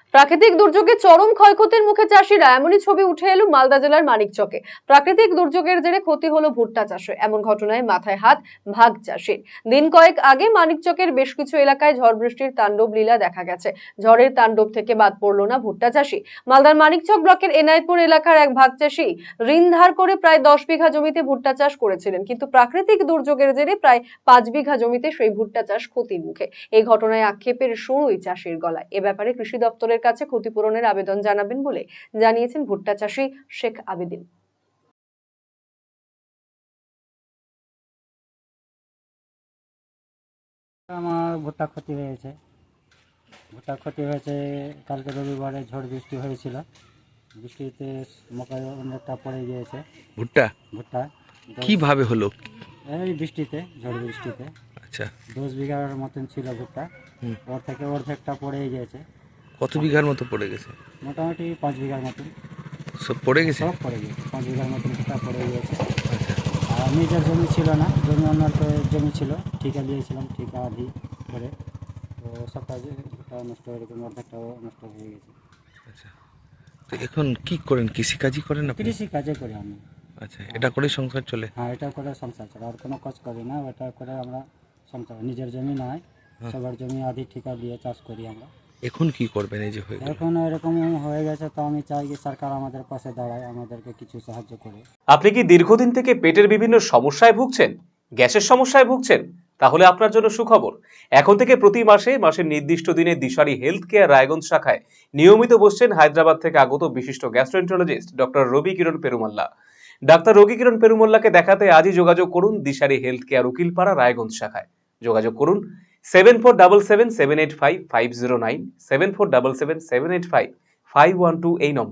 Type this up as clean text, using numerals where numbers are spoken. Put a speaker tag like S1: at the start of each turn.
S1: প্রাকৃতিক দুর্যোগে চরম ক্ষয়ক্ষতির মুখে চাষিরা, এমনই ছবি উঠে এলো মালদা জেলার মানিকচকে। প্রাকৃতিক দুর্যোগের জেরে ক্ষতি হলো ভুট্টা চাষে। এমন ঘটনায় মাথায় হাত ভাগ চাষির। দিন কয়েক আগে মানিকচকের বেশ কিছু এলাকায় ঝড় বৃষ্টির তাণ্ডব লীলা দেখা গেছে। ঝড়ের তাণ্ডব থেকে বাদ পড়লো না ভুট্টা চাষি। মালদার মানিকচক ব্লকের এনায়তপুর এলাকার এক ভাগ চাষি ঋণ ধার করে প্রায় 10 বিঘা জমিতে ভুট্টা চাষ করেছিলেন, কিন্তু প্রাকৃতিক দুর্যোগের জেরে প্রায় 5 বিঘা জমিতে সেই ভুট্টা চাষ ক্ষতির মুখে। এই ঘটনায় আক্ষেপের সুরই চাষির গলায়। এ ব্যাপারে কৃষি দপ্তরের কাছে ক্ষতিপূরণের আবেদন জানাবেন বলে জানিয়েছেন ভুট্টা চাষী শেখ আবেদিন।
S2: আমার ভুট্টা ক্ষতি হয়েছে। কালকে রবিবারে ঝড় বৃষ্টি হয়েছিল। বৃষ্টিতে মকাই অনেকটা পড়ে গিয়েছে।
S3: ভুট্টা
S2: ভুট্টা
S3: কিভাবে হলো?
S2: এই বৃষ্টিতে, ঝড় বৃষ্টিতে
S3: আচ্ছা,
S2: 10 বিঘার মতন ছিল ভুট্টা। ওর থেকে অর্ধেকটা পড়ে গিয়েছে।
S3: কত বিঘার মতো পড়ে গেছে?
S2: মোটামুটি 5 বিঘার মতন
S3: সব পড়ে গেছে।
S2: সব পড়ে গিয়েছে। 5 বিঘার মতন ভুট্টা পড়ে গিয়েছে।
S3: আচ্ছা,
S2: আর নিজের জমি ছিল না, জমি অন্যের জমি ছিল, ঠিকা দিয়েছিলাম, ঠিকা আধি করে। তো সবটা ভুট্টা নষ্ট হয়ে গেছে, অর্ধেকটাও নষ্ট হয়ে গেছে।
S3: আচ্ছা। তো এখন কি করেন? কৃষিকাজই করেন আপনি?
S2: কৃষি কাজে করি আমি।
S3: আচ্ছা, এটা করেই সংসার চলে?
S2: হ্যাঁ, এটা করে সংসার চলে, আর কোনো কাজ করি না। এটা করে আমরা সংসার, নিজের জমি নয়, সবার জমি আধি ঠিকা দিয়ে চাষ করি আমরা।
S3: এখন কি করবেন এই যে হয়ে গেল?
S2: এখন এরকম হয়ে গেছে, তো আমি চাই যে সরকার আমাদের পাশে দাঁড়ায়, আমাদেরকে কিছু সাহায্য করে।
S4: আপনি কি দীর্ঘদিন থেকে পেটের বিভিন্ন সমস্যায় ভুগছেন? গ্যাসের সমস্যায় ভুগছেন? তাহলে আপনার জন্য সুখবর। এখন থেকে প্রতি মাসের নির্দিষ্ট দিনে দিশারি হেলথ কেয়ার রায়গঞ্জ শাখায় নিয়মিত বসছেন হায়দ্রাবাদ থেকে আগত বিশিষ্ট গ্যাস্ট্রোএন্টারোলজিস্ট ডক্টর রবি কিরণ পেরুমাল্লা। ডাক্তার রবি কিরণ পেরুমাল্লাকে দেখাতে আজই যোগাযোগ করুন দিশারি হেলথ কেয়ার উকিলপাড়া রায়গঞ্জ শাখায়। যোগাযোগ করুন 7477785509, 7477785512 এই নম্বর।